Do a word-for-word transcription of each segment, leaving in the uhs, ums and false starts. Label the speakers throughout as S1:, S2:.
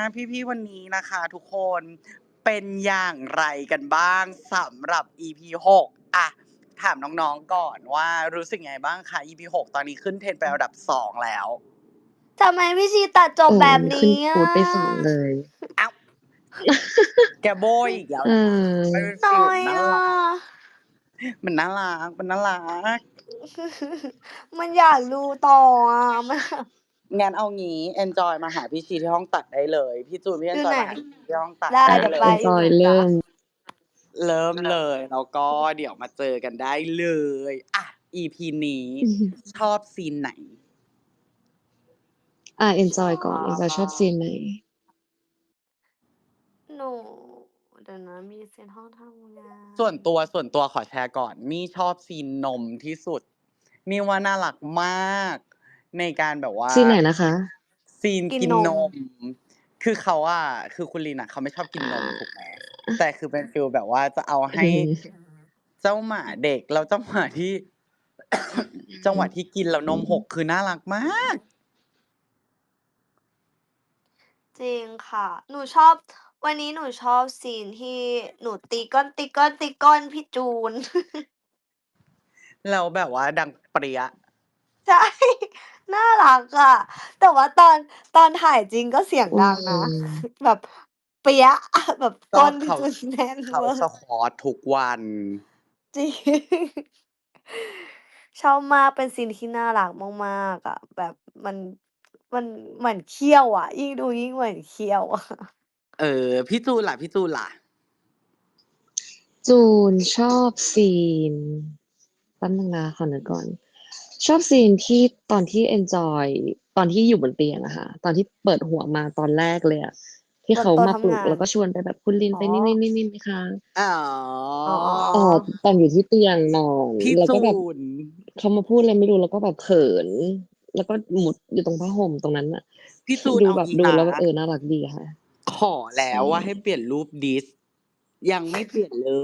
S1: พี่ๆวันนี้นะคะทุกคนเป็นอย่างไรกันบ้างสำหรับ อี พี หกอ่ะถามน้องๆก่อนว่ารู้สึกไงบ้างคะ อี พี หกตอนนี้ขึ้นเทรนด์ไปอันดับสองแล้ว
S2: ทำไมพี่ชีตัดจบ
S3: เออ
S2: แบบ
S3: มันขึ้น
S2: นี้
S3: ฟูดไปสองเลย
S1: เอ้าแกโบยอีกแล้ว
S3: เอ
S1: นะ
S3: อ
S1: มันเป็น
S2: น้
S1: ฟิล
S2: อย
S1: น่า
S2: อ่ะ
S1: รักมันน่ารักมันน่ารัก
S2: มันอยากดูต่ออ่ะมัน
S1: งั้นเอางี้ enjoy มาหาพี่ชีที่ห้องตัดได้เลย พี่จูนพี่
S2: อยู่
S1: enjoy
S2: ไหน
S1: มาหาพี่ที่ห้องตัด
S2: ได้
S1: ได้
S2: เดี๋ยว
S1: เล
S2: ไป
S1: ย
S2: อยู่
S3: enjoy
S2: จ้ะ
S3: เริ่ม
S1: เริ่มเลย แล้วก็เดี๋ยวมาเจอกันได้เลยอ่ะ อี พี นี้
S3: อือฮึ
S1: ชอบซีนไหน?
S3: อ่า enjoy ก่อน enjoy ชอบซีนไหน?
S2: หนู เดี๋ยวนะมีซีนห้องทำงาน
S1: ส่วนตัว ส่วนตัวขอแชร์ก่อน มี่ชอบซีนนมที่สุด มี่ว่าน่ารักมาก ในการแบบว่า
S3: ซีนไหนนะคะ?
S1: ซีน
S2: กิน
S1: กิน
S2: น
S1: น
S2: ม
S1: ม คือเขาอะ คือคุณลินอะเขาไม่ชอบกินนม ถูกไหม แต่คือเป็นฟีลแบบว่าจะเอาให้
S3: อือฮึ
S1: เจ้าหมาเด็ก แล้วจังหวะที่ จังหวะที่กินแล้วนมหก คือน่ารักมาก
S2: จริงค่ะ หนูชอบ วันนี้หนูชอบซีนที่หนูตีก้อน ตีก้อน ตีก้อนพี่จูน
S1: แล้วแบบว่าดังเปรี้ย
S2: ใช่ น่ารักอะ แต่ว่าตอน ตอนถ่ายจริงก็เสียง
S3: อื
S2: ดังนะ
S3: ม
S2: แบบเปี้ยะ แบบ
S1: ก
S2: ก้
S1: ็เข
S2: นพี่
S1: า
S2: จูนแน่น
S1: เขา
S2: เวอร์
S1: squat ทุกวัน
S2: จริง ชอบมาก เป็นซีนที่น่ารักมาก ๆ อะ แบบมัน มันเหมือนเคี่ยวอะ ยิ่งดูยิ่งเหมือนเคี่ยว อะ
S1: เออ พี่จูนล่ะ พี่จูนล่ะ?
S3: จูนชอบซีน แป๊บหนึ่งนะ ขอนึกก่อน ชอบซีนที่ตอนที่ enjoy ตอนที่อยู่บนเตียงอะค่ะ ตอนที่เปิดหัวมาตอนแรกเลยอะ ที่
S2: บน
S3: เขา
S2: โต๊ะ
S3: มา
S2: ท
S3: ปลุ
S2: ำง
S3: ก
S2: า
S3: แล้
S2: น
S3: วก็ชวนไปแบบคุณลิน
S2: อ๋อ
S3: ไปนี่ ๆ ๆ ๆ ไหมคะ
S1: อ๋อ
S2: อ๋อ
S3: อ๋อ ตอนอยู่ที่เตียงนอน
S1: พี่
S3: แล้ว
S1: จ
S3: ก็
S1: ู
S3: แบบ
S1: น
S3: เขามาพูดอะไรไม่รู้ แล้วก็แบบเขิน แล้วก็มุดอยู่ตรงผ้าห่มตรงนั้นน่ะ
S1: พี่จูน
S3: ดู
S1: เอา
S3: แบบ
S1: งี้
S3: ดู
S1: นะ
S3: แล้วแบบ เออ น่ารักดีค่ะ
S1: ขอแล้
S3: ใช
S1: วว่าให้
S3: ่
S1: เปลี่ยนรูปดิส ยังไม่เปลี่ยนเลย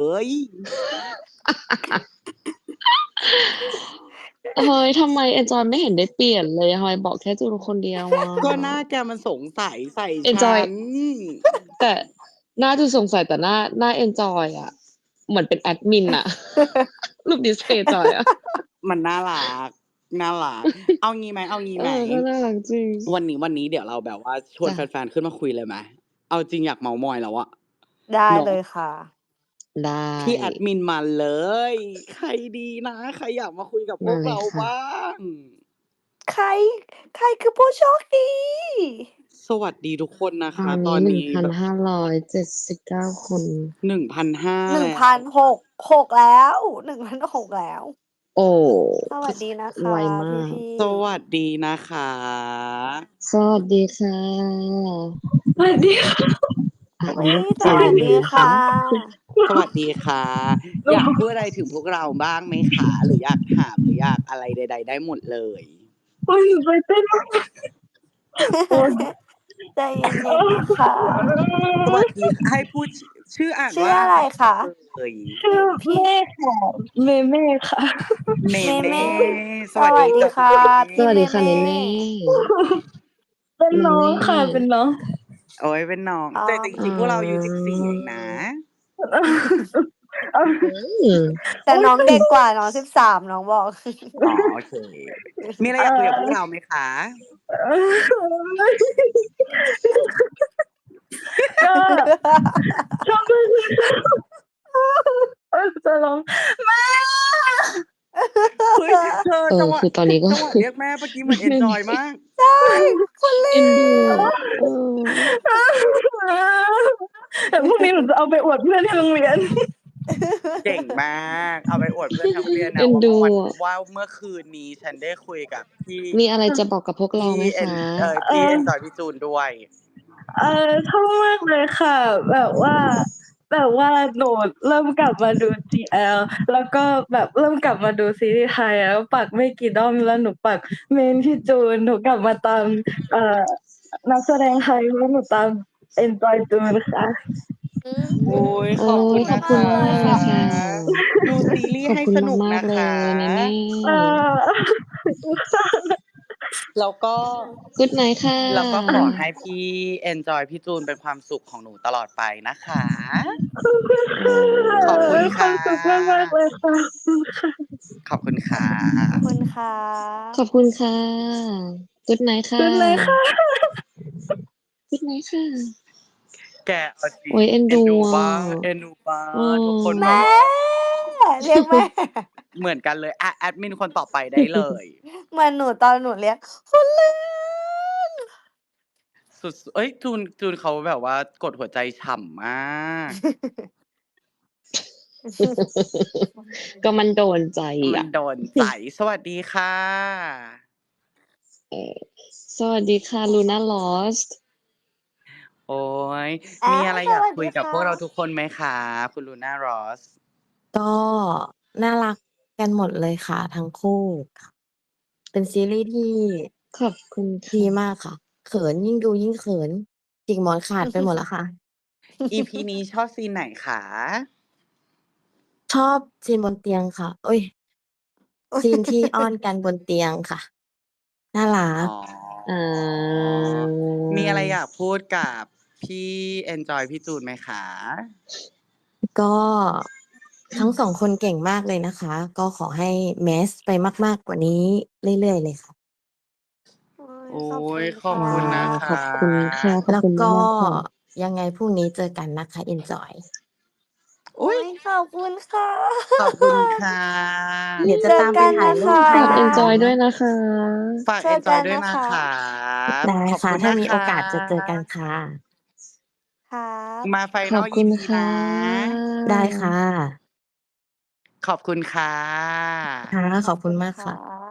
S3: เฮ้ย ทำไม enjoy ไม่เห็นได้เปลี่ยนเลย ทำไมบอกแค่จูนคนเดียวอะ?
S1: ก็หน้าแกมันสงสัยใส่ฉั
S3: enjoy
S1: น
S3: แต่หน้าจูนสงสัย แต่หน้า หน้า enjoy อะ เหมือนเป็นแอดมินน่ะ รูปดิสเพย์จอยอะ
S1: มันน่ารัก น่ารัก เอางี้ไหม เอางี้
S3: เอ
S1: ไหม
S3: อ ก็น่ารักจริง
S1: วันนี้ วันนี้เดี๋ยวเราแบบว่าชว
S3: จ
S1: นแฟน ๆ ขึ้นมาคุยเลยไหม เอาจริงอยากเมาท์มอยแล้วอะ
S2: ได้
S1: เนาะ
S2: เลยค่ะ
S3: ได้
S1: พี่แอดมินมาเลย ใครดีนะ ใครอยากมาคุยกับพ
S3: มาว
S1: ก
S3: เล
S1: เร
S3: ย
S1: า
S3: ค่ะ
S1: บ้าง?
S2: ใคร ใครคือผู้โชคดี?
S1: สวัสดีทุกคนนะค
S3: ตอ
S1: ะ
S3: นน
S1: ตี้อน
S3: หนึ่ง
S1: นี้
S3: พัน
S1: แบบ
S3: ห้าร้อยเจ็ดสิบเก้า คน
S1: หนึ่งพันห้า
S2: หนึ่ง
S1: แล้ว
S2: พันหก หก แล้ว หนึ่งพันหก แล้ว
S3: โอ้
S2: สวัสดีนะค
S3: ไว
S2: ะ
S3: มาก
S2: พี่
S1: ส
S2: ๆ
S1: วัสดีนะคะ
S3: สวัสดีค่ะ
S4: สวัสดี ค่ะ
S3: อ่า อัน
S2: อุ๊
S3: นี้
S2: ย ส
S3: เสียง
S2: วัส
S3: หนู
S2: ดี
S3: นะ
S2: ค่
S3: คะ
S2: ะ
S1: สวัสดีค่ะ อยากพูดอะไรถึงพวกเราบ้างไหมคะ? หรืออยากถาม หรืออยากอะไรใด ๆ ได้หมดเลย
S4: โอ๊ย หนูใจเต้น มาก โอ๊ย
S2: ใจเย็น ๆ นะคะ
S1: สวัสดี ให้พูด ช ชื่ออ่าน
S2: ชื่
S1: ว่า
S2: ออะไรคะ
S1: เอ่ย?
S4: ชื่อ
S2: พี่
S4: เมฆค่ะ เมเม่ค่ะ
S1: เม
S2: เม
S1: เม่
S2: เม่
S1: ส
S2: ส
S1: วัส
S2: วั
S1: ดี
S2: สดี
S1: จ้ะ
S2: ค
S1: คุ
S2: ่ะ
S1: ณเม
S3: ส
S2: พี่
S3: วัส
S2: เม
S3: ดีค่ะ
S2: เม่
S3: เมเม่
S4: เป็น
S3: เม
S4: น้อ
S3: เม
S4: งค่ะ เป็นน้อง
S1: โอ๊ย เป็นน้อง
S2: อ๋อ
S1: แต่จ
S3: อ๋
S1: ริง ๆ พวกเราอายุ สิบสี่ เองนะ
S3: อ อืม
S2: แต่น้องเด็กกว่า น้อง สิบสาม น้องบอก
S1: อ๋อ โอเค มีอะไร
S4: เอ
S1: อยากคุยกับพวก
S4: อ
S1: เราไหมคะ?
S4: ก็ ชอบ มากเลยค่ะ โอ๊ย จะร้อง แม่
S1: เฮ้ย เธอ
S3: เออ
S1: จังหวะ
S3: คือตอนนี้ ก็
S1: จังหวะเรียกแม่เมื่อกี้เหมือน
S3: ไม่มี
S1: enjoy มาก
S2: ใช่ คุณลิ
S3: เอ็นดู
S2: น
S3: อะ เออ
S4: เดี๋ยวพรุ่งนี้หนูจะเอาไปอวดเพื่อนที่โรงเรียน
S1: เก่งมาก เอาไปอวดเพื่อนทั้งโรงเรียน
S3: เอ็
S1: นะ
S3: น
S1: ว่า
S3: ด
S1: เมื่
S3: ู
S1: อวัน
S3: อะ
S1: ว่าเมื่อคืนนี้ฉันได้คุยกับพี่
S3: มีอะไรจะบอกกับพวกเรา
S1: พี่
S3: ไหม
S1: เอ็
S3: ค
S1: น
S3: ะ?
S1: เอ่อ
S4: เอ
S1: พี่
S4: อ
S1: enjoy พี่จูนด้วย
S4: เออ ชอบมากเลยค่ะ แบบว่า แบบว่าหนูเริ่มกลับมาดู จี แอล แล้วก็แบบเริ่มกลับมาดูซีรีส์ไทย แล้วปักไม่กี่ด้อม แล้วหนูปัก main พี่จูน หนูกลับมาตาม เอ่อ นักแสดงไทย เพราะหนูตาม enjoy จูนค่ะ
S2: อืม
S1: โอ๊ย
S3: โอ๊
S1: ขอบคุ
S3: ย
S1: ณ
S3: ข
S1: น
S3: อ
S1: ะ
S3: บ
S1: ค
S3: คุณ
S1: ะ
S3: มาก ๆ เลยค่ะ
S1: ดูซีรี
S3: ขอบ
S1: ส์ให้
S3: คุณ
S1: สนุก
S3: มา
S1: นะ
S3: ก ๆ เล
S1: คะ
S3: ย เมเม่
S4: เออ
S1: สแล้วก็
S3: Good night ค่ะ
S1: แล้วก็ขอให้พี่ enjoy พี่จูนเป็นความสุขของหนูตลอดไปนะคะ
S4: ขอบคุณค่ะ
S1: ขอบคุณค่ะ
S4: มีความสุขมากๆเลยค่ะ
S1: ขอบคุณค่ะ
S2: ขอบคุณค่ะ
S3: ขอบคุณค่ะ Good night ค่ะ
S4: Good night ค่ะ
S3: Good night ค่ะ
S1: แกเอาจริ
S3: โอ้
S1: ง
S3: ยเอ็น
S1: เอ็น
S3: ดู
S1: ดู
S3: อ่ะ
S1: บ้างเอ็นดูบ้า
S3: อื
S1: ง
S3: ม
S1: ทุกคนแบ
S2: แม่
S1: บว่า
S2: เรียกแม่
S1: เหมือนกันเลยอ่ะแอดมินคนต่อไปได้เลย
S2: เหมือนหนูตอนหนูเรียกคุณเลื่อน
S1: สุดๆเอ้ยจูนจูนเขาแบบว่ากดหัวใจฉ่ำมาก
S3: ก็มันโดนใจ
S1: มัน
S3: อ่ะ
S1: โดนใจ สวัสดีค่ะ
S3: เออสวัสดีค่ะ Luna Lost
S1: โอ้ย
S2: อ่ะ
S1: มีอะไร
S2: ส
S1: อยาก
S2: วัส
S1: คุ
S2: ดี
S1: ยกับ
S2: ค่ะ
S1: พวกเราทุกคนไหมคะ คุณลูน่ารอส
S5: ก็น่ารักกันหมดเลยค่ะ ทั้งคู่ค่ะ เป็นซีรีส์ที่
S3: ขอบคุณ
S5: ดี
S3: ค่ะ
S5: มากค่ะ เขินยิ่งดูยิ่งเขิน จิกหมอนขาดไปหมดแล้วค่ะ
S1: อี พี นี้ชอบซีนไหนคะ
S5: ชอบซีนบนเตียงค่ะ เอ๊ย ซีนที่อ้อนกันบนเตียงค่ะ น่ารั
S1: อ๋
S5: ก
S1: อ
S3: อ่า
S1: มีอะไรอยากพูดกับพี่ enjoy พี่จูนไหมคะ?
S5: ก็ ทั้ง สอง คนเก่งมากเลยนะคะ ก็ขอให้ Mass ไปมาก ๆ กว่านี้เรื่อย ๆ เลยค่ะ
S2: โอ๊ย
S1: โอ๊
S2: ขอบ
S1: ย
S2: คุณ
S1: ขอบ
S2: ค่ะ
S1: คุณนะ
S3: ขอบ
S1: คะ
S3: คุณค่ะ ขอบ
S5: แล้ว
S3: คุณ
S5: ก็
S3: มาก ๆ ค่ะ
S5: ยังไงพรุ่งนี้เจอกันนะคะ Enjoy
S2: โอ๊ย ขอบคุณค่ะ
S1: ขอบคุณค่ะ
S5: เดี๋ยวจะ
S2: เจอ
S5: ตามไป
S2: กัน
S5: ถ่าย
S2: นะ
S5: รู
S2: ค
S5: ปให้
S3: ฝาก
S5: นะ
S2: ะ
S5: คะ
S3: enjoy ด้วยนะคะ
S1: ฝาก
S2: เจอกั
S1: enjoy
S2: น
S1: ด้วย
S2: นะ
S1: นะคะ คะ
S5: ได้
S1: ขอบ
S5: ค่ะ
S1: คุณ
S5: ถ้า
S1: นะ
S5: มี
S1: ค
S5: โอกาสจะเจอกันะ ค่ะ
S2: ครับ
S1: มา
S3: ขอ
S1: Final
S3: บคุ
S1: อี
S3: ณ
S1: พี
S3: ค่
S1: นะ
S5: ได้
S3: ะ
S5: ค่ะ
S1: ขอบคุณค่ะ
S5: ค่ะ ขอบ
S2: ข
S5: คุณมาก
S2: ค
S5: ค่ะ
S2: รับ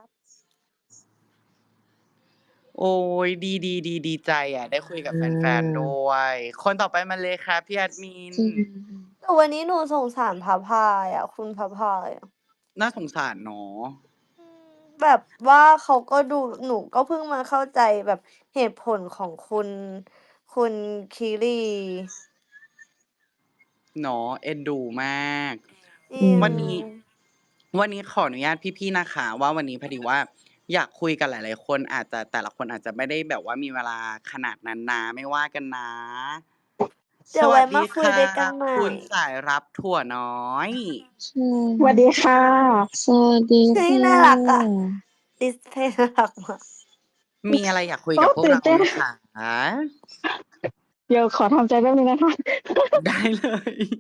S1: โอ๊ย ดี ๆ ๆ ดีใจอะ ได้คุยกับ
S3: อื
S1: แฟน ๆ ด้
S3: ม
S1: วย คนต่อไปมาเลยครับ พี่แอดมิน
S3: จริง
S2: แต่วันนี้หนูสงสารพระพายอะ คุณพระพายอะ
S1: น่าสงสารเนาะ
S2: อืม แบบว่าเขาก็ดู หนูก็เพิ่งมาเข้าใจแบบเหตุผลของคุณ คุณคิรี
S1: เนาะ เอ็นดูมาก
S2: จริ
S3: อื
S2: ง
S1: วันนี้ วันนี้ขออนุญาตพี่ ๆ นะคะว่า วันนี้พอดีว่าอยากคุยกับหลาย ๆ คน อาจจะ แต่ละคนอาจจะไม่ได้แบบว่ามีเวลาขนาดนั้นนะ ไม่ว่ากันนะ
S2: เดี๋
S1: ส
S2: ยว
S1: ว
S2: ไวั
S1: ้
S2: ม
S1: ดี
S2: าคุ
S1: ค
S2: ย่
S1: ะ
S2: ด้วยกันใหม่
S1: คุณสายรับถั่วน้อย
S3: ใช่
S4: สวัสดีค่ะ
S3: สวัสดี
S2: เฮ้ย
S3: ค่
S2: น่ารักอะ
S3: ะ
S2: ดิสเพลย์ น่ารักมาก
S1: มีอะไรอยากคุย
S4: โอ้
S1: กับพวก
S4: ตื่
S1: เร
S4: น
S1: า
S4: เต้น
S1: ไหมคะ?
S4: เดี๋ยวขอทำใจแป๊บหนึ่งนะคะ
S1: ได้ เลย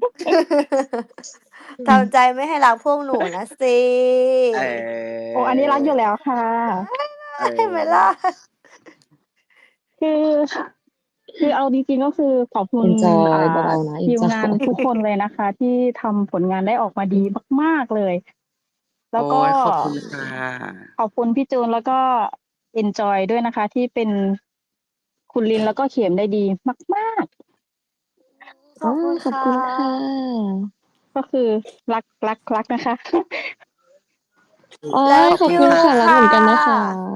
S2: ทำใจไม่ให้รักพวกหนูนะสิ
S1: เอ
S4: โอ้ อันนี้รักอยู่แล้วค่ะ
S1: เอ
S2: เห็นไหมล่ะ
S1: อ
S4: คือ คือเอาจริง ๆ ก็คือขอบคุณ
S3: enjoy
S4: อ่า
S3: เบา ๆ นะ
S4: ทีมงาน
S3: enjoy
S4: ทุกคนเลยนะคะ ที่ทำผลงานได้ออกมาดีมาก ๆ เลย แล้
S1: โอ
S4: วก็
S1: ย ขอบคุณค่ะ
S4: ขอบคุณพี่จูน แล้วก็ enjoy ด้วยนะคะ ที่เป็นคุณลิน แล้วก็เข็มได้ดีมาก ๆ
S2: ขอบคุณ
S3: อา ขอบ
S2: ค่ะ
S3: คุณค่ะ
S4: ก็คือรัก รัก รักนะคะ
S3: โอ๊ย
S2: Love
S3: ขอบ
S2: you
S3: คุณค่ะ รัก
S2: ค่ะ
S3: เหมือนกันนะคะ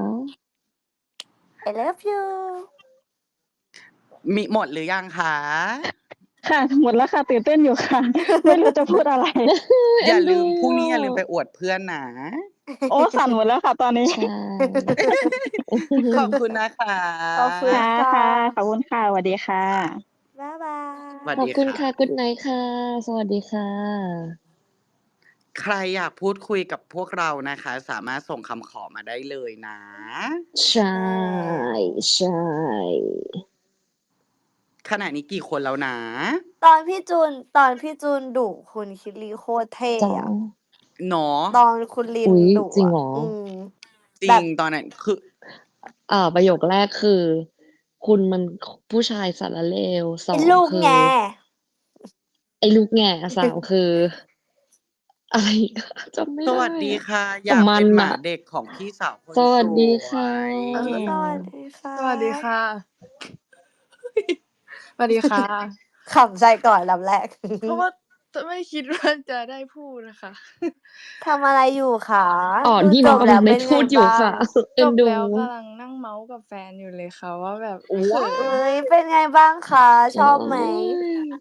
S2: I love you
S1: มิ หมดหรือยังคะ
S4: ค่ะ หมดแล้วค่ะ ตื่นเต้นอยู่ค่ะ ไม่รู้จะพูดอะไร
S1: อย่า
S3: เอ็นดู
S1: ลืม พรุ่งนี้อย่าลืมไป
S3: อะ
S1: อวดเพื่อนนะ
S4: โอ้ สั่นหมดแล้วค่ะตอนนี้
S3: ใช่
S1: ขอบคุณนะคะ
S2: ขอบคุณ
S4: ค่ะ
S2: ค่ะ
S4: ค่ะ ขอบคุณค่ะ สวัสดีค่ะ
S2: บ๊ายบา
S1: สวัส
S3: ขอบ
S1: ดี
S3: คุณ
S1: ค่ะ
S3: ค่ะ Good night ค่ะ สวัสดีค่ะ
S1: ใครอยากพูดคุยกับพวกเรานะคะ สามารถส่งคำขอมาได้เลยนะ
S3: ใช่ ใช่
S1: ขณะนี้กี่คนแล้วนะ?
S2: ตอนพี่จูน ตอนพี่จูนดุคุณคิรีโคตรเท่
S3: จ๋า
S2: อะ
S1: เนาะ
S2: ตอนคุณลิ
S3: อุ
S2: น
S3: ๊ย
S2: ดุ
S3: จริง
S2: อะ
S3: เหรอ?
S2: อืม
S1: จร
S2: แบิ
S1: ง
S2: บ
S1: ตอนนั้น คือ
S3: อ่า ประโยคแรกคือ คุณมัน ค ผู้ชายสารเลว ส
S2: ไอ้
S3: อง
S2: ลูก
S3: คื
S2: แง
S3: อ ไอ้ลูกแง่ สาม คือ อะไร อีก จำไม่
S1: ส
S3: ได้
S1: วัสดี
S3: อะ
S1: ค่ะ
S3: แต
S1: อย่ าก
S3: มั
S1: เป็น นหม
S3: น่ะ
S1: าเด็กของพี่สาวคน
S3: สวั
S1: ส
S3: สดีค่ะ
S1: วย
S2: เออ สวัสดีค่ะ
S6: สวัสดีค่ะ สวัสดีค่ะ
S2: ขำใจก่อนอันดับแรก
S6: เพราะว่า จะไม่คิด ว่า จะได้พูดอะค่ะ
S2: ทำอะไรอยู่คะ
S3: อ๋อ
S2: ดู
S3: นี่
S2: จ
S3: น้อง
S2: บ
S3: กำ
S2: แล้
S3: ลั
S2: ว
S3: ง
S2: เป
S3: ได้
S2: ็น
S3: พ
S2: ไงู
S3: ดอยู่
S2: บ้า
S3: ค่ะ
S2: ง?
S3: เอ็
S6: จ
S3: น
S6: บ
S3: ดู
S6: แล้วกำลังนั่งเมาท์กับแฟนอยู่เลยค่ะว่าแบบ
S1: ว้า
S6: เขิน
S2: เฮ้ย เป็นไงบ้างคะ ชอบไหม?
S3: โอ๊ย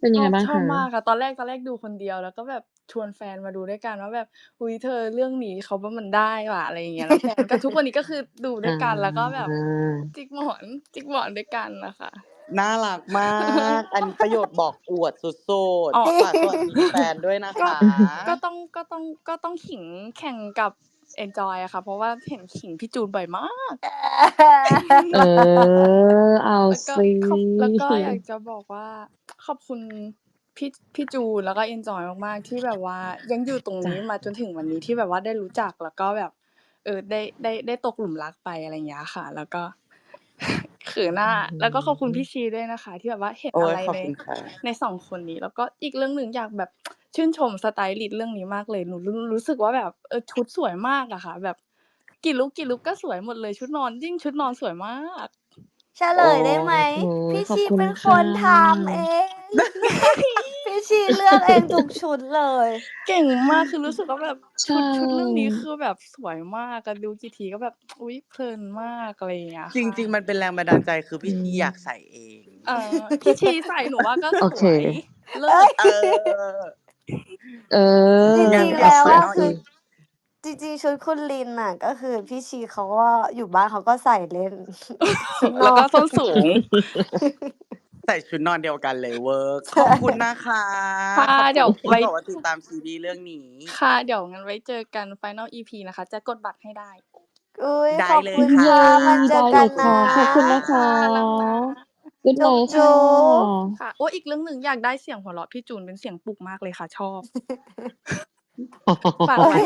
S3: เป็น
S6: ช
S3: ยัง
S6: อ
S3: ไงบ้าง
S6: ชอ
S3: ค
S6: บมา
S3: ะ?
S6: กค่ะ ตอนแรก ตอนแรกดูคนเดียว แล้วก็แบบชวนแฟนมาดูด้วยกันว่าแบบ "อุ๊ย เธอเรื่องนี้เขาว่ามันได้ว่ะ" อะไรอย่างเงี้ย แล้วแฟนก็ ทุกวันนี้ก็คือดูด้
S3: อ
S6: วยกัน แล้วก็แบบ
S3: า
S6: จิกหมอน จิกหมอนด้วยกันน่ะค่ะ
S1: น่ารักมาก อันนี้ประโยชน์บอกอวดสุด
S6: อ๋อ
S1: ๆ ฝากสวัสดีแฟนด้วยนะ
S6: ก็
S1: คะ
S6: ก็ต้อง ก็ต้อง ก็ต้องขิงแข่งกับเอนจอยอะค่ะ เพราะว่าเห็นขิงพี่จูนบ่อยมาก
S3: เออ เอา
S6: แล้วก็
S3: สิ
S6: ขอบ แล้วก็อยากจะบอกว่า ขอบคุณพี่ พี่จูน แล้วก็เอนจอยมาก ๆ ที่แบบว่ายังอยู่ตรง
S3: จ้ะ
S6: นี้มาจนถึงวันนี้ ที่แบบว่าได้รู้จัก แล้วก็แบบ เออ ได้ ได้ ได้ตกหลุมรักไป อะไรอย่างเงี้ยค่ะ แล้วก็ เขิน
S3: อื
S6: อะ
S3: อื
S6: แล้วก็ขอบคุณ
S3: ม
S6: พี่ชีด้วยนะคะ ที่แบบว่าเห็น
S1: โอ๊ย
S6: อะไร ใน
S1: ขอบคุณค่ะ
S6: ใน สอง คนนี้ แล้วก็อีกเรื่องหนึ่งอยากแบบ ชื่นชมสไตลิสต์เรื่องนี้มากเลย หนูรู้ รู้สึกว่าแบบ เออ ชุดสวยมากอะค่ะ แบบกี่ลุก กี่ลุกก็สวยหมดเลย ชุดนอน ยิ่งชุดนอนสวยมาก
S2: เฉลยได้ไหม?
S3: โอ้โฮ
S2: พี่
S3: ขอ
S2: ช
S3: บี คุ
S2: เ
S3: ณ
S2: ป็น
S3: ค
S2: ค่ นทำเอง พี่ชีเลือกเองทุกชุดเลย
S6: เก่งมาก คือรู้สึกว่าแบบ
S3: ใช
S6: ชุด ชุดเรื่องนี้
S3: ่
S6: คือแบบสวยมากอะ ดูกี่ทีก็แบบ อุ๊ย เพลินมาก อะไรอย่างเงี้ย
S1: จ
S6: ค่ะ
S1: ริง ๆ มันเป็นแรงบันดาลใจ คือ
S3: อ
S1: พี่ชี
S3: ื
S1: อยาก
S3: ม
S1: ใส่เอง
S6: เออ พี่ชีใส่หนูว่าก็
S3: โอ
S6: ส
S3: เค
S6: วย เลิ
S2: เอ๊ย
S6: ศ
S1: เออ
S3: เออ
S2: จร
S1: งิาน
S2: ง ๆ
S1: ก
S2: แ
S1: ั
S2: ล
S1: บ้
S2: วอะ
S1: Final
S2: คือ
S1: EP
S2: จริง ๆ ชุดคุณลินน่ะ ก็คือพี่ชีเขาก็อยู่บ้านเขาก็ใส่เล่น ชุดน
S6: แล้วก็
S2: อน
S6: ส้นสูง
S1: ใส่ชุดนอนเดียวกันเลยเวิร์ก
S2: ใช
S1: ขอบคุณนะคะ
S6: ค่ะ
S1: ขอบ
S6: เด
S1: คี
S6: ๋
S1: ุ
S6: ยว
S1: ณที
S6: ไว่
S1: ่แบบว่าติดตามซีรีส์เรื่องนี้
S6: ค่ะ เดี๋ยวงั้นไว้เจอกัน Final อี พี นะคะ จะกดบัตรให้ได้
S2: อุ๊ย
S1: ได้
S2: ขอบ
S1: เล
S2: คุ
S1: ย
S2: ณ
S1: ค่
S3: เย
S2: ค่ะ
S1: ะ
S2: มาเจ
S3: ได
S2: อ้ก
S3: เลั
S2: น
S3: ย
S2: น
S3: ค่ะ ขอบคุณนะ คะ
S6: ค่ะ รักนะ
S3: Good
S2: จุ๊บ
S3: night
S2: จ
S3: ค่ะ
S2: ุ๊บ
S6: ค่ะ โอ๊ย อีกเรื่องหนึ่งอยากได้เสียงหัวเราะพี่จูน เป็นเสียงปลุกมากเลยค่ะ ชอบ ฝาก
S2: เฮ้
S6: ไว้
S2: ย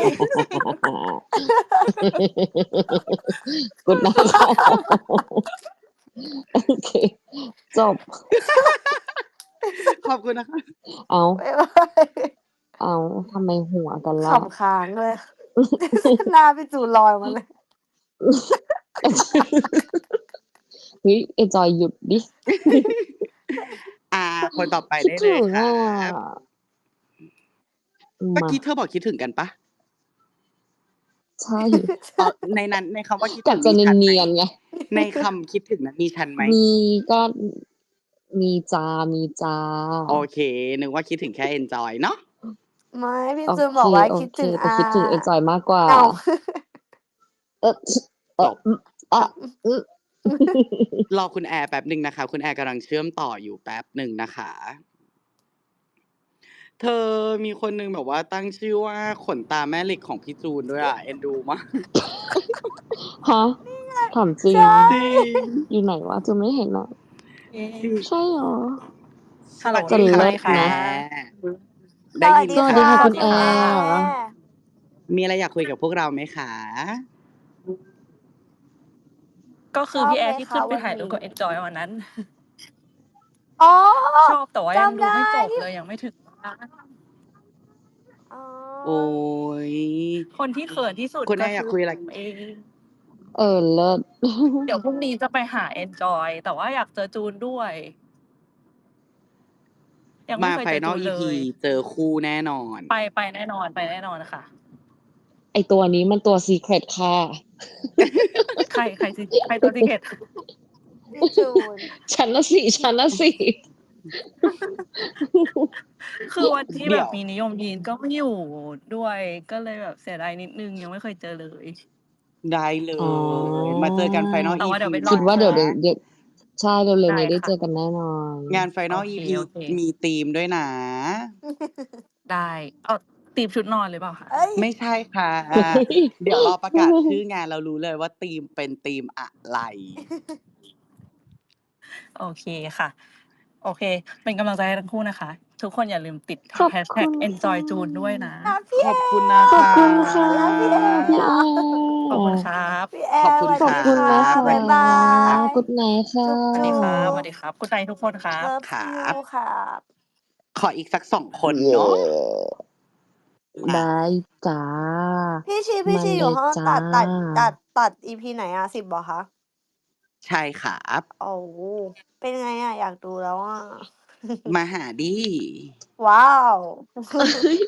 S3: Good night ค่ะ โอเค จบ
S1: ขอบคุณนะคะ
S3: อ้าว
S2: บ๊ายบาย
S3: อ้าว ทำไมหัวกัน
S2: ข
S3: ล่ะ?
S2: ำค้างเลย หน้าพี่จูนลอยมาเลย
S3: เฮ้ย เอนจอยหยุดดิ
S1: อ่า คนต่อไป
S3: คิด
S1: ได้
S3: ถ
S1: เลึย
S3: ง
S1: คร
S3: อั
S1: บ
S3: ะ
S1: เมื่อ
S3: มา
S1: กี้เธอบอกคิดถึงกันเปล่า?
S3: ใช่
S1: อ๋อ ในนั้น ในคำว่าคิด
S3: ก
S1: ถึ
S3: ะ
S1: ง
S3: จะ
S1: มีฉัน
S3: เน
S1: ไหม?
S3: ียน ๆ ไง
S1: ในคำคิดถึงนั้นมีฉันไหม?
S3: มี ก็ อ มีจ้ะ มีจ้ะ
S1: โอเค นึกว่าคิดถึงแค่เอนจอยเนาะ
S2: ไม่ พี่
S3: โอ
S2: จูน
S3: เค
S2: บอกว่า
S3: โอ
S2: คิด
S3: เค
S2: ถึง
S3: แต่
S2: อา
S3: คิดถึงเอนจอยมากกว่า
S2: อ้าว
S3: เอ๊ะ ช เอ
S1: จ
S3: อะ
S1: บ
S3: อือ อะ อือ
S1: รอคุณแอร์แป๊บหนึ่งนะคะ คุณแอร์กำลังเชื่อมต่ออยู่แป๊บหนึ่งนะคะ เธอ มีคนหนึ่งแบบว่าตั้งชื่อว่า ขนตาแม่เหล็กของพี่จูนด้วยอะ เอ็นดูมาก
S3: ฮะ ถามจริ
S2: ใช
S3: ง
S2: ่
S1: จริง
S3: อยู่ไหนวะ จูนไม่เห็นอะ
S1: จริง
S3: ใช่เหรอ?
S1: สวัส
S3: จะ
S1: ดีค่ะ
S3: เลิศ
S1: คุณ
S3: นะ
S1: แอร์
S2: ส
S1: ได้
S2: วั
S1: ยิ
S2: ส
S1: น
S2: ดี
S3: สวัส
S1: ค่
S3: ดี
S1: ะ
S3: ค่ะ
S2: ค่ะ
S3: คุณ
S2: คุ
S3: แอ
S2: ณแอ
S3: ร์
S2: ร์
S1: มีอะไรอยากคุยกับพวกเราไหมคะ?
S7: ก็คื
S2: ช
S7: อพี่แอ
S2: อบไหม
S7: ร์ที่
S2: ค
S7: ขึ้นไป
S2: วัน
S7: ถ่ายรู
S2: นี
S7: ปกับเอ้ นจอยวันนั้น
S2: อ๋อ
S7: ชอบ แต่ว่า
S2: จ
S7: ยัง
S2: ำ
S7: ด
S2: ไ
S7: ู
S2: ด้
S7: ไม่จบ
S2: ที่
S7: เลย ยังไม่ถึง บ้าน
S2: อ๋อ
S1: โอ๊ย
S7: คนที่เขินที่สุด
S1: คุณแ
S7: ก
S1: อ็ร์อ
S7: ค
S1: ยา
S7: ื
S1: ก
S7: อ
S1: คุยอะไร?
S7: ผมเอง
S3: เออ เลิศ
S7: เดี๋ยวพรุ่งนี้จะไปหาเอนจอย แต่ว่าอยากเจอจูนด้วย ยัง
S1: ม
S7: ไม่
S1: า
S7: เคยเจอจู
S1: Final
S7: น
S1: อี
S7: เล
S1: พี
S7: ย
S1: เจอคู่แน่นอน
S7: ไป ไปแน่นอน ไปแน่นอนค่ะ
S3: ไอ้ตัวนี้มันตัว Secret ค่ะ
S7: ใคร ใคร ซี ใครตัว Secret
S2: พี่จูน
S3: ฉันน่ะสิ ฉันน่ะสิ
S7: คือวันที่
S1: เด
S7: แ
S1: ี
S7: บ
S1: ๋ย
S7: บ
S1: ว
S7: มีนิยมยีนก็ไม่อยู่ด้วย ก็เลยแบบเสียดายนิดหนึ่ง ยังไม่เคยเจอเลย
S1: ได้เล
S3: อ๋อ
S1: ย มาเจอกัน Final
S7: แต่
S1: อี
S7: ว่าเดี๋
S1: พี
S7: ยวไปร
S3: ค
S7: อิ
S3: ดว่า
S7: เจ
S3: เดี๋ยว
S7: อ
S3: เดี๋ยว เดี๋ยว ใช่ เร็ว
S7: ได
S3: ๆ
S7: ้
S3: นี้ได้
S7: ค่
S3: เจ
S7: ะ
S3: อกันแน่นอน
S1: งาน
S7: โอ
S1: Final
S7: เค
S1: อี พี
S7: โอเค
S1: มีธีมด้วยนะ
S7: ได้ อ้าว ธีมชุดนอนหรือเปล่าคะ?
S2: เฮ้ย
S1: ไม่ใช่ค่ะ
S3: เฮ้ย
S1: เดี๋ยวรอประกาศชื่องาน เรารู้เลยว่าธีมเป็นธีมอะไร
S7: โอเคค่ะ โอเค เป็นกำลังใจให้ทั้งคู่นะคะ ทุกคนอย่าลืมติด
S3: ขอบ
S7: hashtag
S3: คุณค่ะ
S7: enjoy จูนด้วยนะ
S2: รักพี่
S1: ข
S2: แอ
S1: อบคุณน
S2: ร์
S1: ะ
S2: อ
S3: ขอบ
S1: คะ
S3: คุณค่ะ
S2: รักพี่แอร์
S3: พี่แอ
S2: อะ
S7: ขอบคุณ
S3: ร์
S7: ครับ
S2: พี่แอ
S1: ขอบ
S2: ร์
S1: คุ
S2: ส
S1: ณ
S2: วัส
S3: ขอ
S1: ค
S3: บ
S2: ดี
S1: รั
S3: คุณ
S2: ค่ะ
S3: นะ
S1: บ
S3: ค
S1: บ๊ายบา
S3: ะ
S1: ย
S3: Good night ค่
S2: จุ๊บ
S7: สวัสดีครับ สวัส
S2: ๆ
S7: ดีครับ Good night ทุกคนครับ
S2: Love
S1: ครั
S2: you
S1: บ
S2: ครับ
S1: ขออีกสัก สอง คน
S3: เย้
S1: เนาะ
S3: ได
S1: นะ
S3: ้จ้ะ
S2: พี่ชี พี่
S3: มา
S2: ชี
S3: เ
S2: อ
S3: ล
S2: ยู่
S3: ยจ
S2: ห้อง้ตัด ตัด ตั
S3: ะ
S2: ด ตัด อี พี ไหนอะ สิบ เหรอคะ?
S1: ใช่ครับ
S2: โอ้ เป็นไงอะ อยากดูแล้วอะ
S1: มาหาดิ
S2: ว้าว
S3: เฮ้ย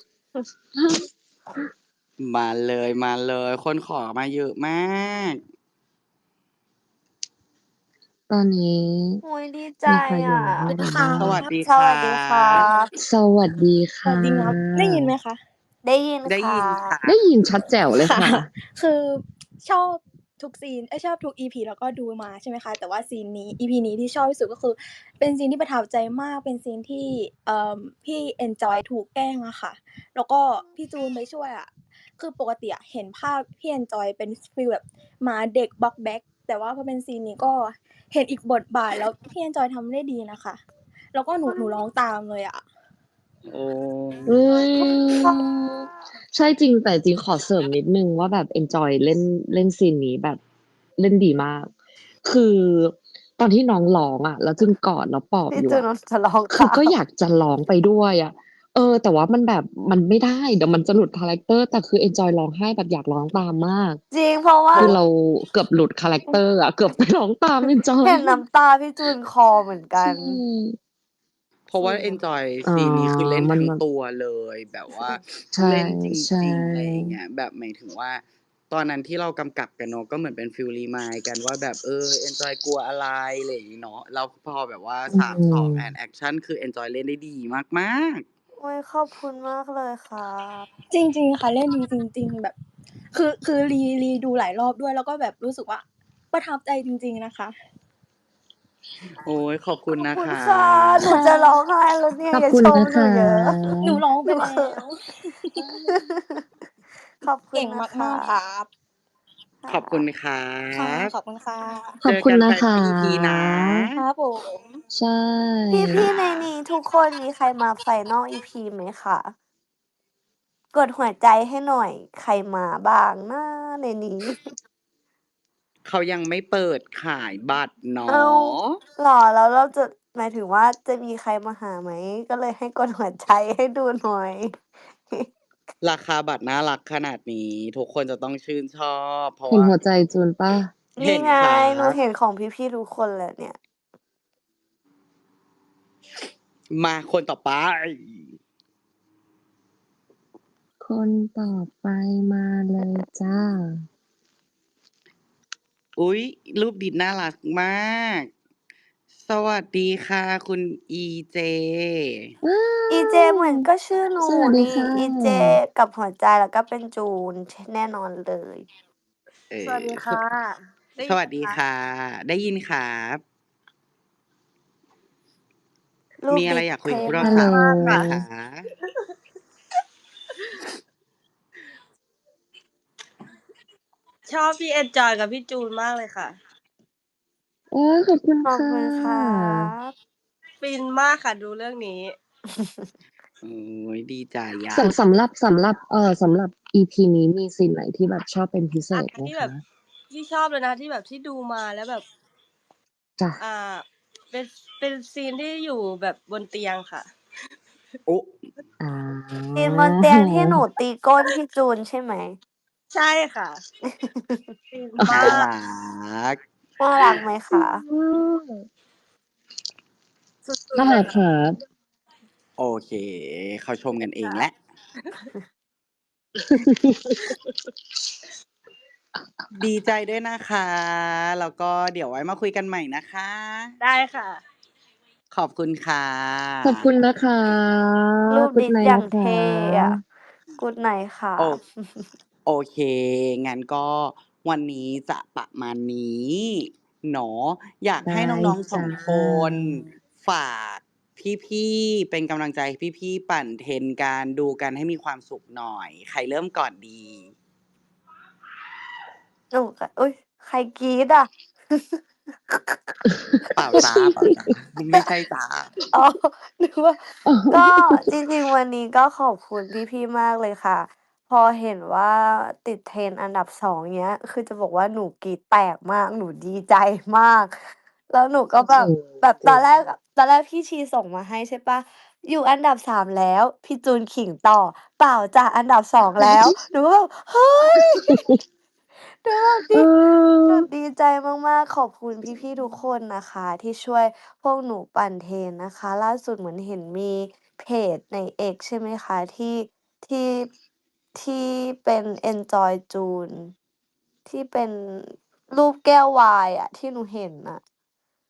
S1: มาเลย ๆ คนขอมาเยอะมาก
S3: ตอนนี้
S2: โอ้ยดีใจ
S3: มีใครอยู่
S2: อ่ะ
S3: ในห้องเรา
S4: ค่ะ
S3: บ้าง
S1: สวัสดี
S2: ส
S1: ครั
S2: วัสดีครับ บ
S3: สวัสดี
S4: ส
S3: ค
S4: วัส่ ดีครับ ได้ยินไหมคะ?
S2: ได้ยิน
S1: ได้
S2: ครั
S1: ยิน
S2: บ
S1: ค่ะ
S3: ได้ยินชัดแจ๋วเลย
S4: ค่ะ
S3: ค่ะ
S4: คือชอบทุกซีน เอ๊ย ชอบทุก อี พี แล้วก็ดูมาใช่ไหมคะ แต่ว่าซีนนี้ อี พี นี้ที่ชอบที่สุดก็คือเป็นซีนที่ประทับใจมาก เป็นซีนที่ เอ่อ พี่เอนจอยถูกแกล้งอะค่ะ แล้วก็พี่จูนไปช่วยอะ คือปกติอะเห็นภาพพี่เอนจอยเป็นฟีลแบบหมาเด็กบ๊อกแบ๊ก แต่ว่าพอเป็นซีนนี้ก็เห็นอีกบทบาท แล้วพี่เอนจอยทำได้ดีนะคะ แล้วก็หนู หนูร้องตามเลยอะ
S1: โอ้
S3: อื
S2: ขอบคุณค่ะ
S3: ม ใช่จริง แต่จริงขอเสริมนิดหนึ่งว่าแบบเอนจอยเล่น เล่นซีนนี้แบบเล่นดีมาก คือตอนที่น้องร้องอะ แล้วจูนกอดแล้วปลอบ
S2: พี่
S3: อยู่
S2: จูน
S3: อะ
S2: จะร้อง
S3: คือ
S2: ตาม
S3: ก็อยากจะร้องไปด้วยอะ เออ แต่ว่ามันแบบมันไม่ได้ เดี๋ยวมันจะหลุดคาแรกเตอร์ แต่คือเอนจอยร้องไห้แบบอยากร้องตามมาก
S2: จริง เพราะว่า
S3: คือเราเกือบหลุดคาแรกเตอร์อะ เกือบไปร้องตามเอนจอย
S2: เห็นน้ำตาพี่จูนคลอเหมือนกั
S3: ใช่
S2: น
S1: เพราะว่า
S2: จริง
S1: เอนจอย
S3: อ๋อ
S1: ซีนนี้คือเล่น
S3: มัน
S1: ทั้ง
S3: แบบ
S1: ตัวเลย แบบว่า
S3: ใช่
S1: เล่นจ
S3: ใช่
S1: ริง ๆ อะไรอย่างเงี้ย แบบหมายถึงว่า ตอนนั้นที่เรากำกับกันเนาะ ก็เหมือนเป็นฟีล remind กันว่าแบบ เออ เอนจอยกลัวอะไร อะไรอย่างงี้เนาะ แล้วพอแบบว่า
S3: อื
S1: สาม สอง
S3: ม
S1: and แอกชัน คือเอนจอยเล่นได้ดีมาก ๆ
S2: โอ๊ย ขอบคุณมากเลยครับ
S4: จริง ๆ ค่ะ เล่นดีจริง ๆ แบบ คือ คือ re re ดูหลายรอบด้วย แล้วก็แบบรู้สึกว่าประทับใจจริง ๆ นะคะ
S1: โอ๊ย ขอบคุณ
S2: ขอบ
S1: นะ
S2: คุณ
S1: คะ
S2: ค่ะ หนูจะร้องไห้แล้วเนี่ย
S3: ขอบ
S2: อย่า
S3: คุณ
S2: ชม
S3: นะ
S2: หนู
S3: คะ
S2: เยอะ
S4: หนูร้อง
S2: ห
S4: ไป
S2: นู
S4: แล้
S2: เขิน
S4: ว
S2: ขอบคุ
S4: เก
S2: ณ
S4: ่ง
S2: นะค
S4: มาก ๆ ครับ
S2: ค
S1: ขอบคุณครั
S4: ค่ะ
S1: บ
S4: ขอบคุณค่ะ
S3: ขอบ
S1: เจอ
S3: คุณ
S1: กัน
S3: นะ
S1: ไป
S3: ค
S1: ท้า
S3: ะ
S1: ย อี พี นะ
S4: ครับผม
S3: ใช่
S2: พี่ ๆ ในนี้ทุกคนมีใครมา Final อี พี ไหมคะ? กดหัวใจให้หน่อย ใครมาบ้างนะในนี้?
S1: เขายังไม่เปิดขายบัตรเนา
S2: อ้าว
S1: ะ
S2: เหรอ? แล้วเราจะ หมายถึงว่าจะมีใครมาหาไหม? ก็เลยให้กดหัวใจให้ดูหน่อย
S1: ราคาบัตรน่ารักขนาดนี้ ทุกคนจะต้องชื่นชอบ เพราะ
S3: เห็น
S1: ว่า
S3: หัวใจจูนเปล่า?
S1: เ
S2: น
S1: หี
S2: ่
S1: ็น
S2: ไง
S1: ครั
S2: หนู
S1: บ
S2: เห็นของพี่ ๆ ทุกคนแล้วเนี่ย
S1: มาคนต่อไป
S3: คนต่อไปมาเลยจ้ะ
S1: อุ๊ย รูปดิดน่ารักมาก สวัสดีค่ะ คุณอีเจ
S3: ว้า
S2: อีเจ เหมือนก็ชื่อหนู
S3: สวัสดี
S2: นี่
S3: ค่ะ
S2: อีเจ กับหัวใจ แล้วก็เป็นจูน ช แน่นอนเลย
S1: เออ
S8: สวัสดีค่ะ ได้
S1: ส ส
S8: ยิน
S1: วัส
S8: ไหม
S1: ดี
S8: คะ
S1: ค่ะ ได้ยินครับ
S2: รู
S1: มี
S2: ป
S1: อะ
S2: ด
S1: ไริ
S2: ด
S1: อยาก
S2: เ
S1: คุ
S2: ท
S1: ยกับพวก
S2: ม
S1: เรา
S3: ฮัล
S8: เท่
S3: โหล
S1: สาม
S8: มาก
S1: ไหม
S8: ค่ะ
S1: คะ?
S8: ชอบพี่เอนจอยกับพี่จูนมากเลยค่ะ
S3: โอ๊ย ขอบคุณ
S2: ขอบ
S3: ค่
S2: คุณครั
S3: ะ
S2: บ
S8: ฟินมากค่ะดูเรื่องนี้
S1: โอ๊ย ดีใจอ
S3: ส
S1: ะ
S3: ำ สำหรับ สำหรับ เอ่อ สำหรับ อี พี นี้มีซีนไหนที่แบบชอบเป็นพิเศ
S8: อา
S3: ษไหม
S8: ที่
S3: ค
S8: แบ
S3: ะ?
S8: ที่ชอบเลยนะ ที่แบบที่ดูมาแล้วแบบ
S3: จ้ะ
S8: อ่า เป็น เป็นซีนที่อยู่แบบบนเตียงค่ะ
S1: โอ้
S3: อา
S2: ซีนบนเตียงที่หนูตีก้นพี่จูนใช่ไหม?
S8: ใช่ค่ะ ฟิน
S1: น่า
S8: มาก
S1: รัก
S2: น่ารักไหมคะ?
S8: สุด
S3: น่า
S8: ๆ เล
S3: รั
S8: ย
S3: ก
S8: ค่ะ
S3: ครับ
S1: โอเค เขาชมกันเอง
S8: ค่ะ
S1: แล้ว ดีใจด้วยนะคะ แล้วก็เดี๋ยวไว้มาคุยกันใหม่นะคะ
S8: ได้ค่ะ
S1: ขอบคุณค่
S3: ขอบคุณ
S1: ะ
S3: นะคะ
S2: รูป
S3: Good
S2: ดิด
S3: night
S2: อย่า
S3: นะ
S2: ง
S3: ค
S2: เท่อะ
S3: ะ
S2: Good night ครั
S1: โอ
S2: บ
S1: โอเค งั้นก็วันนี้จะประมาณนี้เนาะ อยาก
S3: ได้
S1: ให้น้อง ๆ ส
S3: จ้
S1: อง คน ฝากพี่ ๆ เป็นกำลังใจให้พี่ ๆ ปั่นเทรนกัน ดูกันให้มีความสุขหน่อย ใครเริ่มก่อนดี?
S2: หนูก็ อุ๊ย ใครกรี๊ดอะ?
S1: เปล่าจ้ะ เปล่าจ้ะ ไม่ใช่จ้ะ
S2: อ๋อ นึกว่า ก็จริง ๆ วันนี้ก็ขอบคุณพี่ ๆ มากเลยค่ะ พอเห็นว่าติด Trend อันดับ สอง เงี้ย คือจะบอกว่าหนูกรี๊ดแตกมาก หนูดีใจมาก แล้วหนูก็แบบ
S3: จริง
S2: แบบตอนแรก
S3: จริง
S2: อะ ตอนแรกพี่ชีส่งมาให้ใช่เปล่า อยู่อันดับ สาม แล้ว พี่จูนขิงต่อ เปล่าจ้ะ อันดับ สอง แล้ว หนูก็แบบ เฮ้ย หนูแบบด
S3: เอี
S2: หนู
S3: อ
S2: ดีใจมาก ๆ ขอบคุณพี่ ๆ ทุกคนนะคะที่ช่วยพวกหนูปั่นเทรนนะคะ ล่าสุดเหมือนเห็นมีเพจใน X ใช่ไหมคะ ที่ ที่ ที่เป็นเอนจอยจูน ที่เป็นรูปแก้วไวน์อะ ที่หนูเห็นน่ะ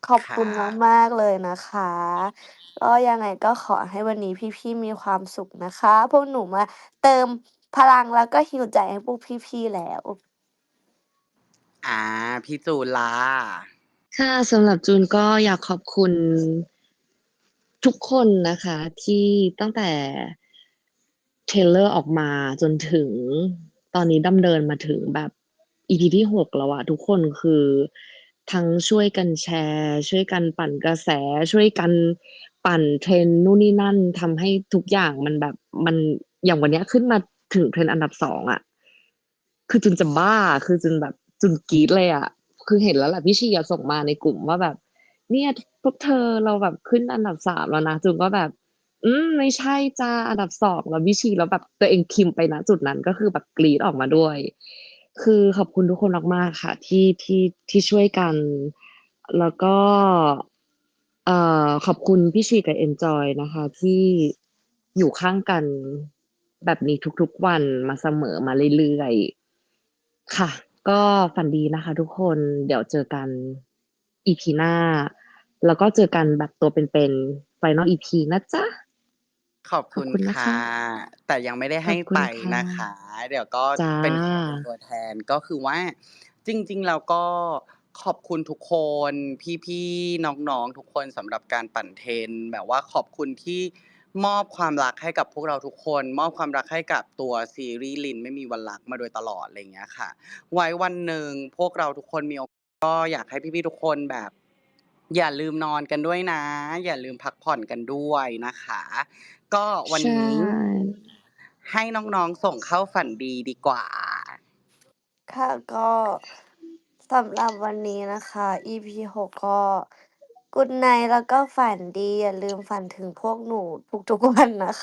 S2: ขอบ
S1: ค
S2: คุณ
S1: รับ
S2: มาก ๆ เลยนะคะ ก็ยังไงก็ขอให้วันนี้พี่ ๆ มีความสุขนะคะ พวกหนูมาเติมพลังแล้วก็ heal ใจให้พวกพี่ ๆ แล้ว
S1: อา พี่จูนล่ะ?
S3: ค่ะ สำหรับจูนก็อยากขอบคุณ ทุกคนนะคะ ที่ตั้งแต่ เทรลเลอร์ออกมาจนถึงตอนนี้ดำเนินมาถึงแบบ อี พี ที่ หก แล้วอะ ทุกคนคือทั้งช่วยกันแชร์ ช่วยกันปั่นกระแส ช่วยกันปั่น trend นู่นนี่นั่น ทำให้ทุกอย่างมันแบบ มัน อย่างวันเนี้ยขึ้นมาถึง trend อันดับ สอง อะ คือจูนจะบ้า คือจูนแบบ จูนกรี๊ดเลยอะ คือเห็นแล้วแหละ พี่ชีอะส่งมาในกลุ่มว่าแบบ "เนี่ย พวกเธอเราแบบขึ้นอันดับ สาม แล้วนะ" จูนก็แบบ "อืม ไม่ใช่จ้ะ อันดับ สอง แล้ว" พี่ชี แล้วแบบตัวเองพิมพ์ไป ณ จุดนั้น ก็คือแบบกรี๊ดออกมาด้วย คือขอบคุณทุกคนมาก ๆ ค่ะ ที่ ที่ ที่ช่วยกัน แล้วก็ เอ่อ ขอบคุณพี่ชีกับเอนจอยนะคะ ที่อยู่ข้างกันแบบนี้ทุก ๆ วันมาเสมอ มาเรื่อย ๆ ค่ะ ก็ฝันดีนะคะทุกคน เดี๋ยวเจอกัน อี พี หน้า แล้วก็เจอกันแบบตัวเป็น ๆ Final อี พี นะจ๊ะ
S1: ขอบ
S3: ข
S1: ค
S3: อุบ
S1: ณ
S3: คุณน
S1: ค
S3: ะ
S1: ่
S3: ค
S1: ะ
S3: ะ
S1: แต่ยังไม่ได้
S3: ข
S1: ให้
S3: อบคุ
S1: ไป
S3: ณค่ะ
S1: นะคะ เดี๋ยวก็
S3: จ้
S1: เป็น ขอ เป็น
S3: ะ
S1: ตัวแทน ก็คือว่า จริง ๆ แล้วก็ขอบคุณทุกคน พี่ ๆ น้อง ๆ ทุกคนสำหรับการปั่น trend แบบว่าขอบคุณที่มอบความรักให้กับพวกเราทุกคน มอบความรักให้กับตัวซีรีส์ "ลินไม่มีวันรัก" มาโดยตลอด ไรเงี้ยค่ะ ไว้วันหนึ่งพวกเราทุกคนมี โอ ก็อยากให้พี่ ๆ ทุกคนแบบ อย่าลืมนอนกันด้วยนะ อย่าลืมพักผ่อนกันด้วยนะคะ ก็วัน
S3: ใช่
S1: นี้ ให้น้อง ๆ ส่งเข้าฝันดีดีกว่า
S2: ค่ะ ก็สำหรับวันนี้นะคะ อี พี หก ก็ Good night แล้วก็ฝันดี อย่าลืมฝันถึงพวกหนูทุก ๆ วันนะคะ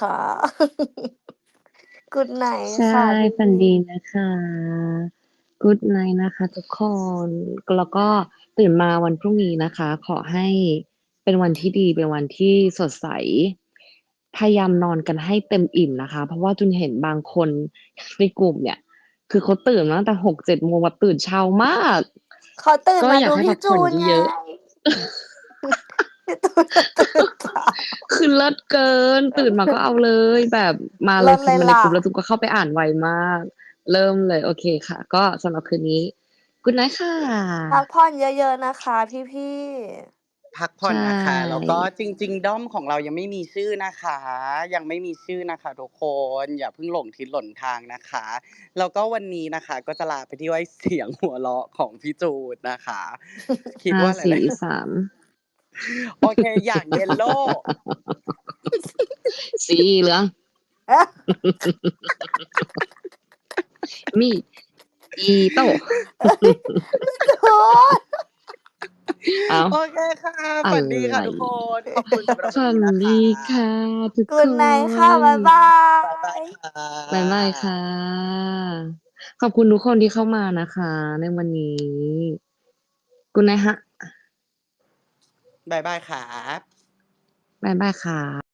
S2: Good night
S3: ใช่
S2: ค่ะพ
S3: ฝันี่ดี
S2: ๆ
S3: นะคะ Good night นะคะทุกคน แล้วก็ตื่นมาวันพรุ่งนี้นะคะ ขอให้เป็นวันที่ดี เป็นวันที่สดใส พยายามนอนกันให้เต็มอิ่มนะคะ เพราะว่าจูนเห็นบางคนในกลุ่มเนี่ย คือเขาตื่นมาตั้งแต่ หกเจ็ด โมง แบบตื่นเช้ามาก
S2: เขาตื่น
S3: ก็
S2: มาด
S3: อยากู
S2: พ
S3: ให้พี่ัก
S2: จ
S3: ผ่
S2: ู
S3: อน
S2: นไง
S3: เยอะ ๆ
S2: พี่จูนก็ตื่นเช้า
S3: คือเลิศเกิน ตื่นมาก็เอาเลย แบบมาเล
S2: เลิ
S3: ย
S2: ศ
S3: พิ
S2: เลยล
S3: มพ์มาใน่กลุ่ม
S2: ะ
S3: แล้วจูนก็เข้าไปอ่านไวมาก เริ่มเลย โอเคค่ะ ก็สำหรับคืนนี้ Good night ค่
S2: พัก
S3: ะ
S2: ผ่อนเยอะ ๆ นะคะพี่ ๆ
S1: พักผ่
S3: ใช
S1: อนนะคะ แล้วก็
S3: ่
S1: จริง ๆ ด้อมของเรายังไม่มีชื่อนะคะ ยังไม่มีชื่อนะคะทุกคน อย่าเพิ่งหลงทิศหลงทางนะคะ แล้วก็วันนี้นะคะ ก็จะลาไปที่ด้วย เสียง หัวเราะของพี่จูนนะคะ คิด
S3: ห้า
S1: ว่าห
S3: สี่
S1: ลาย ๆ
S3: สาม
S1: โอเค อย่าง เยลโล่
S3: สีเหลือง มีด อิโต้
S2: พี่จูน
S3: อ้าว
S1: โอเคค่ะ
S3: อะ
S1: ฝันดี
S3: ไ
S1: ค่
S3: ร
S1: ะทุกคน ขอบคุณสำหรับ
S3: ฝ
S1: วันันี้นะค
S3: นดี
S1: ะ
S3: ค่ะทุกค
S2: Good night ค่ะ
S3: น
S2: บ๊ายบา
S1: บ๊ายบาย
S2: ย
S1: ค่ะ
S3: บ๊ายบายค่ะ ขอบคุณทุกคนที่เข้ามานะคะในวันนี้ Good night ค่ะ
S1: บ๊ายบายครับ
S3: บ๊ายบายค่ะ